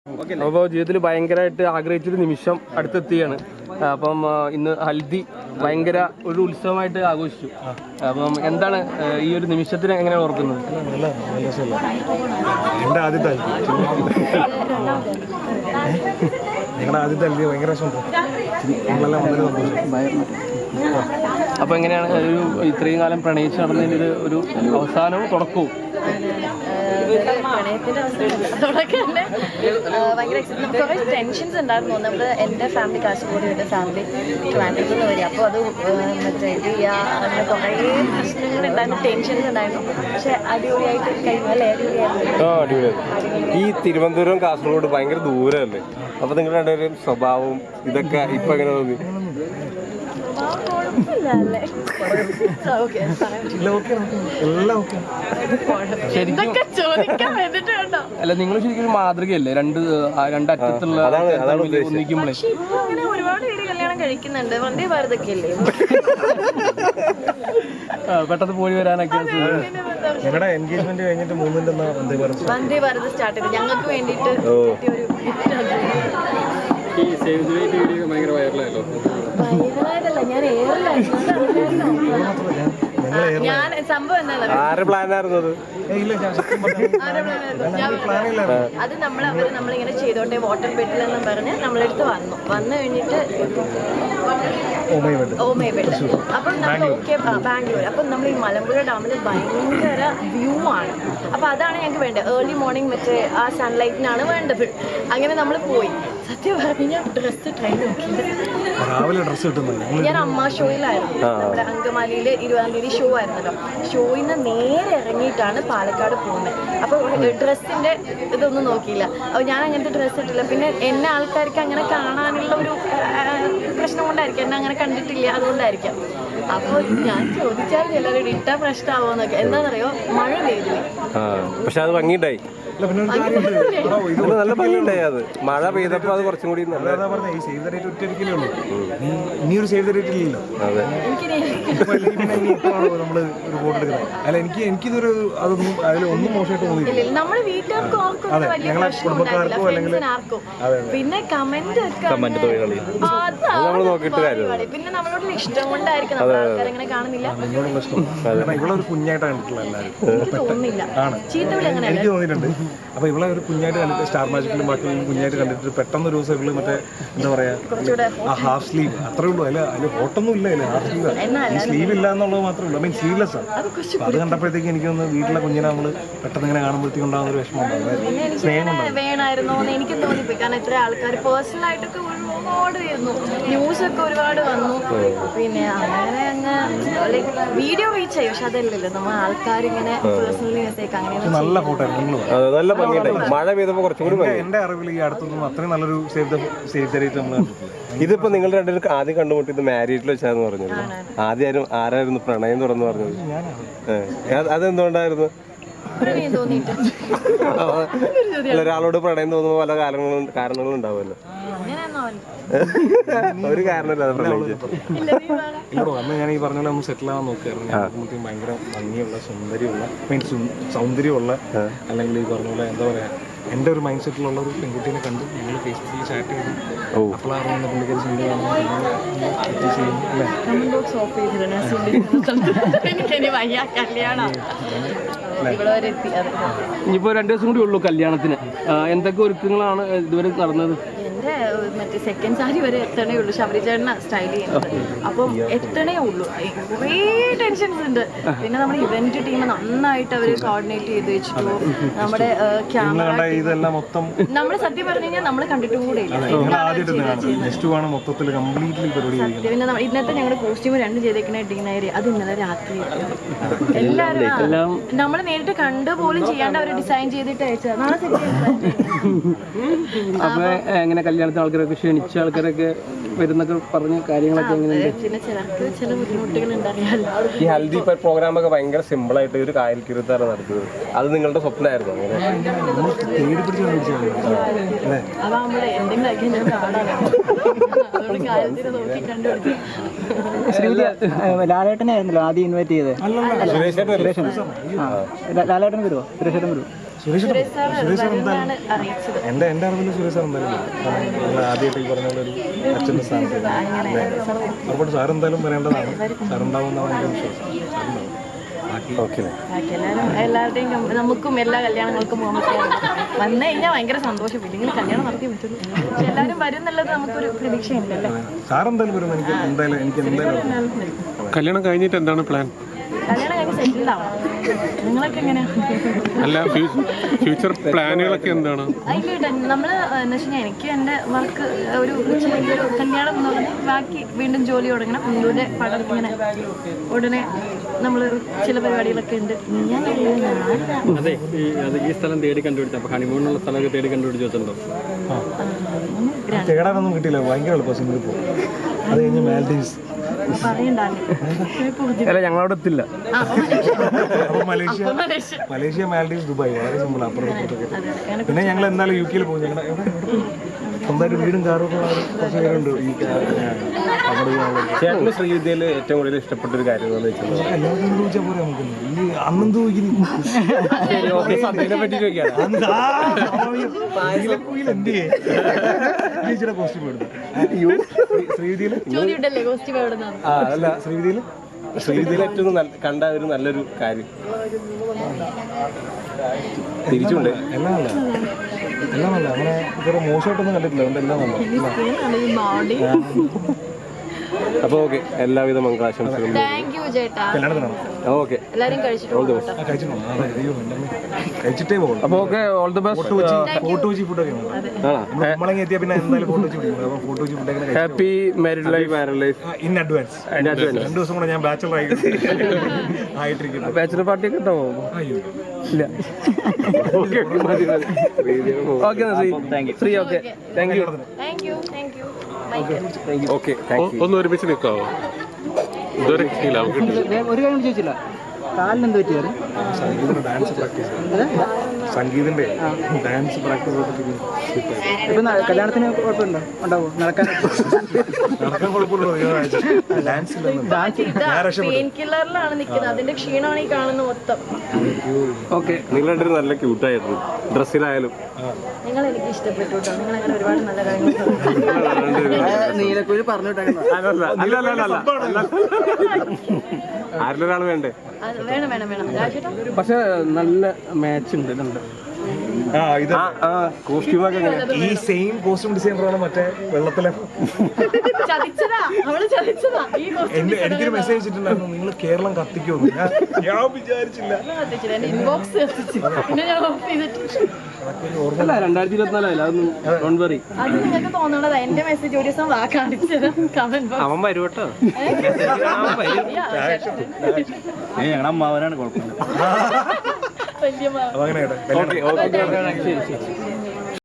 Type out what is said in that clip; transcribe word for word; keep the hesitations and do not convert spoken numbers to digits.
അപ്പോൾ ജീവിതത്തിൽ ഭയങ്കരമായിട്ട് ആഗ്രഹിച്ചൊരു നിമിഷം അടുത്തെത്തിയാണ്. അപ്പം ഇന്ന് ഹൽദി ഭയങ്കര ഒരു ഉത്സവമായിട്ട് ആഘോഷിച്ചു. അപ്പം എന്താണ് ഈ ഒരു നിമിഷത്തിന് എങ്ങനെയാണ് ഓർക്കുന്നത്? എൻ്റെ ആദ്യത്തെ ഞങ്ങളുടെ ആദ്യത്തെ ഹൽദി ഭയങ്കര അപ്പോൾ എങ്ങനെയാണ് ഒരു ഇത്രയും കാലം പ്രണയിച്ച് നടന്നതിൻ്റെ ഒരു അവസാനവും തുടക്കവും? പ്രണയത്തിന്റെ അവസാനം ഭയങ്കര കുറേ ടെൻഷൻസ് ഉണ്ടായിരുന്നു. നമ്മൾ എൻ്റെ ഫാമിലി കാസർഗോഡ്, എൻ്റെ ഫാമിലി ട്രിവാൻഡ്രത്തിൽ നിന്ന് വരിക. അപ്പോൾ അത് മറ്റേ ഇത് ചെയ്യുക, അങ്ങനെ കുറേ പ്രശ്നങ്ങൾ ഉണ്ടായിരുന്നു, ടെൻഷൻസ് ഉണ്ടായിരുന്നു. പക്ഷെ അടിപൊളിയായിട്ട് കഴിഞ്ഞാൽ അടിപൊളിയായിരുന്നു. ഈ തിരുവനന്തപുരം കാസർഗോഡ് ഭയങ്കര ദൂരമല്ലേ? അപ്പൊ നിങ്ങളുടെ രണ്ടുപേരും സ്വഭാവവും ഇതൊക്കെ ഇപ്പൊ എങ്ങനെ തോന്നി? അല്ല, നിങ്ങൾ ശരിക്കും മാതൃകയല്ലേ? രണ്ട് രണ്ടറ്റത്തുള്ള ഒന്നിക്കുമ്പോഴേ ഒരുപാട് പേര് കല്യാണം കഴിക്കുന്നുണ്ട്. വന്ദേ ഭാരതൊക്കെ അല്ലേ പെട്ടെന്ന് പോയി വരാനൊക്കെ. ഞങ്ങളുടെ എൻഗേജ്മെന്റ് കഴിഞ്ഞിട്ട് മൂന്നിന്റെ വന്ദേ ഭാരത് സ്റ്റാർട്ട് ചെയ്ത് ഞങ്ങൾക്ക് വേണ്ടിയിട്ട് വൈറലായതല്ല, ഞാൻ ഞാൻ സംഭവം എന്താ അത് നമ്മൾ അവര് നമ്മളിങ്ങനെ ചെയ്തോട്ടെ വാട്ടർ ബെഡിൽ എന്നും പറഞ്ഞ് നമ്മളെടുത്ത് വന്നു വന്നു കഴിഞ്ഞിട്ട് ഓമയ ബെഡ്. അപ്പം നമ്മൾ ഓക്കെ ബാംഗ്ലൂർ. അപ്പം നമ്മൾ ഈ മലമ്പുഴ ഡാമിൽ ഭയങ്കര വ്യൂ ആണ്. അപ്പം അതാണ് ഞങ്ങൾക്ക് വേണ്ടത്. ഏർലി മോർണിംഗ് മറ്റേ ആ സൺലൈറ്റിനാണ് വേണ്ടത്. അങ്ങനെ നമ്മൾ പോയി. സത്യം പറഞ്ഞാൽ ഡ്രസ്സ് ട്രൈ നോക്കിയത് ഞാൻ അമ്മ ഷോയിലായിരുന്നു. നമ്മുടെ അങ്കമാലിയിൽ ഇരുപതാം തീയതി ഷോ ആയിരുന്നല്ലോ. ഷോയിൽ നിന്ന് നേരെ ഇറങ്ങിയിട്ടാണ് പാലക്കാട് പോകുന്നത്. അപ്പോൾ ഡ്രസ്സിന്റെ ഇതൊന്നും നോക്കിയില്ല. അപ്പോൾ ഞാൻ അങ്ങനത്തെ ഡ്രസ്സ് ഇട്ടില്ല. പിന്നെ എന്നെ ആൾക്കാർക്ക് അങ്ങനെ കാണാനുള്ള ഒരു പ്രശ്നം കൊണ്ടായിരിക്കും, എന്നെ അങ്ങനെ കണ്ടിട്ടില്ല, അതുകൊണ്ടായിരിക്കാം. അപ്പോൾ ഞാൻ ചോദിച്ചാൽ ചിലരോട് ഇട്ട പ്രശ്നമാവോന്നൊക്കെ. എന്താണെന്നറിയോ, മഴ പെയ്തു. പക്ഷെ അത് ഭംഗിയുണ്ടായി, നല്ല ഭംഗിയുണ്ടായി. അത് മഴ പെയ്തപ്പോ അത് കുറച്ചും കൂടി ഇനിയൊരു സേവ് ദ ഡേറ്റ് ഇല്ലല്ലോ. നമ്മള് ഒരു ഫോട്ടോ എടുക്കുന്നത് അല്ല, എനിക്ക് എനിക്കിതൊരു അതൊന്നും അതിൽ ഒന്നും മോശമായിട്ട് തോന്നിയില്ല. നമ്മുടെ വീട്ടുകാർക്കും അല്ലെങ്കിൽ പിന്നെ കമന്റ് പിന്നെ നമ്മളോട് ഇഷ്ടം കൊണ്ടായിരിക്കും നമ്മൾ ആൾക്കാരങ്ങനെ കാണുന്നില്ല. ഇവിടെ ഒരു കുഞ്ഞായിട്ടാണ് കണ്ടിട്ടുള്ള എല്ലാവരും. എനിക്ക് തോന്നുന്നില്ല, ചീത്തവിളി അങ്ങനെ എനിക്ക് തോന്നിയിട്ടുണ്ട്. അപ്പൊ ഇവിടെ ഒരു കുഞ്ഞായിട്ട് കണ്ടിട്ട് സ്റ്റാർ മാജിക്കിലും ബാക്കി കുഞ്ഞായിട്ട് കണ്ടിട്ട് പെട്ടെന്ന് ഒരു ദിവസം ഇവള് മറ്റേ എന്താ പറയാ ഹാഫ് സ്ലീവ് അത്രേ ഉള്ളൂ. അല്ല അതിൽ ഹോട്ടൊന്നും ഇല്ല, അതിൽ ഹാഫ് സ്ലീവ് സ്ലീവ് ഇല്ല എന്നുള്ളത് മാത്രമേ ഉള്ളൂ. ഐ മീൻ സ്ലീവ്ലെസ് ആണ്. അത് കണ്ടപ്പോഴത്തേക്ക് എനിക്കൊന്ന് വീട്ടിലെ കുഞ്ഞിനെ നമ്മള് പെട്ടെന്ന് ഇങ്ങനെ കാണുമ്പോഴത്തേക്ക് ഉണ്ടാകുന്ന ഒരു വിഷമം ഉണ്ടാവും, സ്നേഹം ഉണ്ടാവും. വേണമായിരുന്നോ എന്ന് എനിക്ക് തോന്നിപ്പോയി. കാരണം ഇത്ര ആൾക്കാർ പേഴ്സണൽ ആയിട്ടൊക്കെ ഒരുപാട് വരുന്നു, ന്യൂസ് ഒക്കെ ഒരുപാട് വന്നു. പിന്നെ അങ്ങനെ അങ്ങ് വീഡിയോ റീച്ച് ആയി. പക്ഷെ അതല്ലല്ലോ, നമ്മൾ ആൾക്കാരിങ്ങനെ പേഴ്സണലി മെസ്സേജ് അങ്ങനെ നല്ല ഫോട്ടോ നല്ല മഴ പെയ്തപ്പോ കുറച്ചും കൂടി എന്റെ അറിവിൽ ഈ അടുത്തൊന്നും അത്രയും നല്ലൊരു save the save the date നമ്മൾ ഇതിപ്പോ നിങ്ങൾ രണ്ടുപേരും ആദ്യം കണ്ടുമുട്ടി ഇത് മാരീഡിൽ വെച്ചാന്ന് പറഞ്ഞത്. ആദ്യം ആരായിരുന്നു പ്രണയം തുറന്നു പറഞ്ഞത്? അതെന്തുകൊണ്ടായിരുന്നു? ഒരാളോട് പ്രണയം തോന്നുമ്പോ പല കാരണങ്ങളും കാരണങ്ങളും ഉണ്ടാവുമല്ലോ. ഒരു കാരണമില്ലാതെ പ്രണയിച്ചു. ഇല്ലടോ, അന്ന് ഞാൻ ഈ പറഞ്ഞ പോലെ ഒന്ന് സെറ്റിൽ ആവാൻ നോക്കിയായിരുന്നു. ഭയങ്കര ഭംഗിയുള്ള സുന്ദരിയുള്ള മീൻസ് സൗന്ദര്യമുള്ള അല്ലെങ്കിൽ ഈ പറഞ്ഞ പോലെ എന്താ പറയാ എൻ്റെ ഒരു മൈൻഡ് സെറ്റിലുള്ള ഒരു പെൺകുട്ടീനെ കണ്ടു. ഞങ്ങൾ ഫേസ്ബുക്കിൽ ചാറ്റ് ചെയ്തു. അപ്പോഴാണ് പുള്ളിക്കാരി സുന്ദരിയാണ്. ഇനിയിപ്പോ രണ്ടു ദിവസം കൂടി ഉള്ളൂ കല്യാണത്തിന്. എന്തൊക്കെ ഒരുക്കങ്ങളാണ് ഇതുവരെ നടന്നത്? എൻ്റെ മറ്റേ സെക്കൻഡ് സാരി വരെ എത്തണേ ഉള്ളൂ. ശബരിചേട്ടന സ്റ്റൈൽ ചെയ്യുന്നത്. അപ്പം എത്തണേ ഉള്ളൂ. കുറേ ടെൻഷൻസ് ഉണ്ട്. പിന്നെ നമ്മുടെ ഇവന്റ് ടീം നന്നായിട്ട് അവർ കോർഡിനേറ്റ് ചെയ്ത് വെച്ചിട്ടു. നമ്മുടെ ക്യാമറ നമ്മൾ സത്യം പറഞ്ഞു കഴിഞ്ഞാൽ നമ്മൾ കണ്ടിട്ടും കൂടെ ഇല്ല. പിന്നെ ഇന്നത്തെ ഞങ്ങളുടെ കോസ്റ്റ്യൂം രണ്ട് ചെയ്തേക്കുന്ന ഡിന്നർ അത് ഇന്നലെ രാത്രി എല്ലാവരും നമ്മൾ നേരിട്ട് കണ്ടു പോലും ചെയ്യാണ്ട് അവർ ഡിസൈൻ ചെയ്തിട്ട് അയച്ചത്. നാളെ എങ്ങനെ കല്യാണത്തിന് ആൾക്കാരൊക്കെ ക്ഷണിച്ച ആൾക്കാരൊക്കെ വരുന്നൊക്കെ പറഞ്ഞ കാര്യങ്ങളൊക്കെ എങ്ങനെയുണ്ട്? പിന്നെ ചിലർക്ക് ചില ബുദ്ധിമുട്ടുകൾ ഉണ്ടാറിയാലോ. ഈ ഹൽദി പ്രോഗ്രാം ഒക്കെ ഭയങ്കര സിമ്പിൾ ആയിട്ട് ഒരു കായൽക്കിരുത്താണ് നടത്തുന്നത്. അത് നിങ്ങളുടെ സ്വപ്നമായിരുന്നു? അതാകുമ്പോഴേ എന്തെങ്കിലും ലാലേട്ടനായിരുന്നല്ലോ ആദ്യം ഇൻവൈറ്റ് ചെയ്തത്. ലാലേട്ടൻ വരുമോ? സുരേഷേട്ടൻ വരുമോ? സുരേഷ് സുരേഷ് സാർ സുരേഷ് സാർ വരുമെന്നാണ് എന്തായാലും അറിയിച്ചത്. എൻ്റെ എൻ്റെ അറിവിൽ സുരേഷ് സാർ എന്തായാലും വരും. കാരണം നിങ്ങൾ ആദ്യമായിട്ട് ഈ പറഞ്ഞ പോലെ ഒരു അച്ഛൻ്റെ സ്ഥാനത്ത് ഉറപ്പായിട്ട് സാർ എന്തായാലും വരേണ്ടതാണ്. സാർ ഉണ്ടാവുമെന്നാണ് എൻ്റെ വിശ്വാസം. സാറുണ്ടാവും. ബാക്കി ഓക്കെ ബാക്കി എല്ലാവരും എല്ലാവരുടെയും കം- നമുക്കും എല്ലാ കല്യാണങ്ങൾക്കും പോകാൻ പറ്റിയാണ്. വന്നു കഴിഞ്ഞാൽ ഭയങ്കര സന്തോഷം. ഇല്ലെങ്കിൽ കല്യാണം നടത്തി പറ്റുള്ളൂ. പക്ഷെ എല്ലാവരും വരും എന്നുള്ളത് നമുക്കൊരു പ്രതീക്ഷയുണ്ടല്ലേ. സാർ എന്തായാലും വരും. എനിക്ക് എന്തായാലും എനിക്ക് എന്തായാലും കല്യാണം കഴിഞ്ഞിട്ട് എന്താണ് പ്ലാൻ? കല്യാണം കഴിഞ്ഞ് സെറ്റിൽഡ് ആവണം. നിങ്ങളൊക്കെ എങ്ങനെയാണ്? അല്ല ഫ്യൂച്ചർ പ്ലാനുകളൊക്കെ എന്താണ്? അതിലിട്ട് നമ്മൾ എന്ന് വെച്ച് കഴിഞ്ഞാൽ എനിക്ക് എൻ്റെ വർക്ക് ഒരു ചെറിയ ഒരു കല്യാണം എന്ന് പറഞ്ഞാൽ ബാക്കി വീണ്ടും ജോലി തുടങ്ങണം. ഇവിടെ പടം ഇങ്ങനെ ഉടനെ നമ്മൾ ചില പരിപാടികളൊക്കെ ഉണ്ട്. ഞാൻ അതെ ഈ അത് ഈ സ്ഥലം തേടി കണ്ടുപിടിച്ചു. അപ്പോൾ ഹണിമൂണിനുള്ള സ്ഥലമൊക്കെ തേടി കണ്ടുപിടിച്ച് വെച്ചിട്ടുണ്ടോ? തേടാനൊന്നും കിട്ടിയില്ല. ഭയങ്കര എളുപ്പം സിംഗിൾ പോകും. അത് കഴിഞ്ഞ് മാൽഡീവ്സ്. അല്ല ഞങ്ങളവിടെ എത്തില്ല. അപ്പോൾ മലേഷ്യ മലേഷ്യ മാൽഡീവ്സ് ദുബായ് വളരെ സിമ്പിൾ. അപ്പുറത്തൊക്കെ പിന്നെ ഞങ്ങൾ എന്തായാലും യു കെയിൽ പോകും. ഞങ്ങളുടെ എവിടെ സ്വന്തമായിട്ട് വീടും കാറും ഒക്കെ ഉള്ള കുറച്ച് പേരുണ്ട് ഈ അവിടെ ചേട്ടന് ശ്രീവിദ്യയിൽ ഏറ്റവും കൂടുതൽ ഇഷ്ടപ്പെട്ട ഒരു കാര്യം എന്ന് വെച്ചാൽ എല്ലാവർക്കും ചോദിച്ചാൽ പോരെ നമുക്ക് ഈ അന്നും ചോദിക്കുന്നു പറ്റി ചോദിക്കാം. ചേച്ചിയുടെ കോസ്റ്റ്യൂം എടുത്തു ശ്രീവിദ്യയിൽ ചോദ്യം കോസ്റ്റ്യൂം എവിടെ നിന്നാണ്? ആ അതല്ല ശ്രീവിദ്യയിൽ ശ്രീവിദ്യയിൽ ഏറ്റവും നല്ല- കണ്ട ഒരു നല്ലൊരു കാര്യം തിരിച്ചുണ്ട്. എല്ലാം നല്ല എല്ലാം നല്ല അങ്ങനെ ഇത്ര മോശമായിട്ടൊന്നും കണ്ടിട്ടില്ല. അതുകൊണ്ട് എല്ലാം നല്ല ഈ ബോഡി. അപ്പോൾ ഓക്കെ, എല്ലാവിധ മംഗളാശംസകളും. താങ്ക് യു ചേട്ടാ. കല്യാണത്തിനാണ് ഓക്കെ, എല്ലാവരും കഴിച്ചിട്ട് ആ കഴിച്ചിട്ടുണ്ടോ? അതെ അയ്യോ എൻ്റെ അമ്മേ. കഴിച്ചിട്ടേ പോകുള്ളൂ. അപ്പോൾ okay, all the best. Photo വെച്ച് ഫുഡൊക്കെ നമ്മളെങ്കിൽ എത്തിയാൽ പിന്നെ എന്തായാലും ഫോട്ടോ വെച്ച് പിടിക്കും. അപ്പോൾ ഫോട്ടോ വെച്ച് ഫുഡൊക്കെ happy married life. In advance. രണ്ട് ദിവസം കൂടെ ഞാൻ ബാച്ചലർ ആയി ആയിട്ടിരിക്കുന്നു. ബാച്ചുലർ പാർട്ടി ഒക്കെ ഉണ്ടാവോ? അയ്യോ ഇല്ല. Okay okay Sree okay thank you. Thank you thank you bye. Okay thank you. ഒന്ന് ഒരുമിച്ച് നിൽക്കാവോ? ഇതുവരെ കിട്ടിയില്ല, നമുക്ക് കിട്ടില്ല. ഒരു കാര്യം ചോദിച്ചില്ല, കാലിനെന്ത് പറ്റിയത്? സംഗീതത്തിന്റെ ഡാൻസ് പ്രാക്ടീസ് സംഗീതന്റെ ഡാൻസ് പ്രാക്ടീസ് ഇപ്പം കല്യാണത്തിന് കുഴപ്പമുണ്ടോ? ഉണ്ടാവോ? നടക്കാൻ നടക്കാൻ കുഴപ്പമില്ലല്ലോ. ഡാൻസ് പെയിൻ കില്ലറിലാണ് നിൽക്കുന്നത്. അതിന്റെ ക്ഷീണമാണ് ഈ കാണുന്ന മൊത്തം. ഓക്കെ. നിങ്ങൾ രണ്ടുപേരും നല്ല ക്യൂട്ടായിരുന്നു, ഡ്രസ്സിലായാലും. നിങ്ങൾ എനിക്ക് ഇഷ്ടപ്പെട്ടു കേട്ടോ. നിങ്ങൾ അങ്ങനെ ഒരുപാട് നല്ല കാര്യങ്ങൾ നീലക്കുയിൽ പറഞ്ഞിട്ടായിരുന്നു. ആരിലൊരാൾ വേണ്ടേ? വേണം വേണം വേണം രാജേട്ടാ. പക്ഷെ നല്ല മാച്ച് ഉണ്ട് ഇതുണ്ട്. ഇത് കോസ്റ്റ്യൂമൊക്കെ ഈ സെയിം കോസ്റ്റ്യൂം ഡിസൈനറാണ് മറ്റേ വെള്ളത്തിലെ. ചതിച്ചതാ അവള് ചതിച്ചതാ. ഈ എന്റെ എനിക്കൊരു മെസ്സേജ് അയച്ചിട്ടുണ്ടായിരുന്നു, നിങ്ങൾ കേരളം കത്തിക്കുമെന്ന്. ഞാൻ ഞാൻ വിചാരിച്ചില്ല. കത്തിച്ചില്ല. എന്റെ ഇൻബോക്സ് കത്തിച്ചു. പിന്നെ ഞാൻ ഓഫ് ചെയ്തിട്ട് അല്ല രണ്ടായിരത്തി ഇരുപത്തിനാലല്ല, അതൊന്നും ഡോണ്ട് വറി. അത് നിങ്ങൾക്ക് തോന്നണതാ. എന്റെ മെസ്സേജ് ഒരു ദിവസം വാ കാണിച്ചത് കമന്റ് ബോക്സ്. അവൻ വരും കേട്ടോ. ഞങ്ങളുടെ അമ്മാവനാണ് കുഴപ്പമില്ല. വലിയ അപ്പൊ അങ്ങനെ ഓക്കെ ഓക്കെ ശരി ശരി.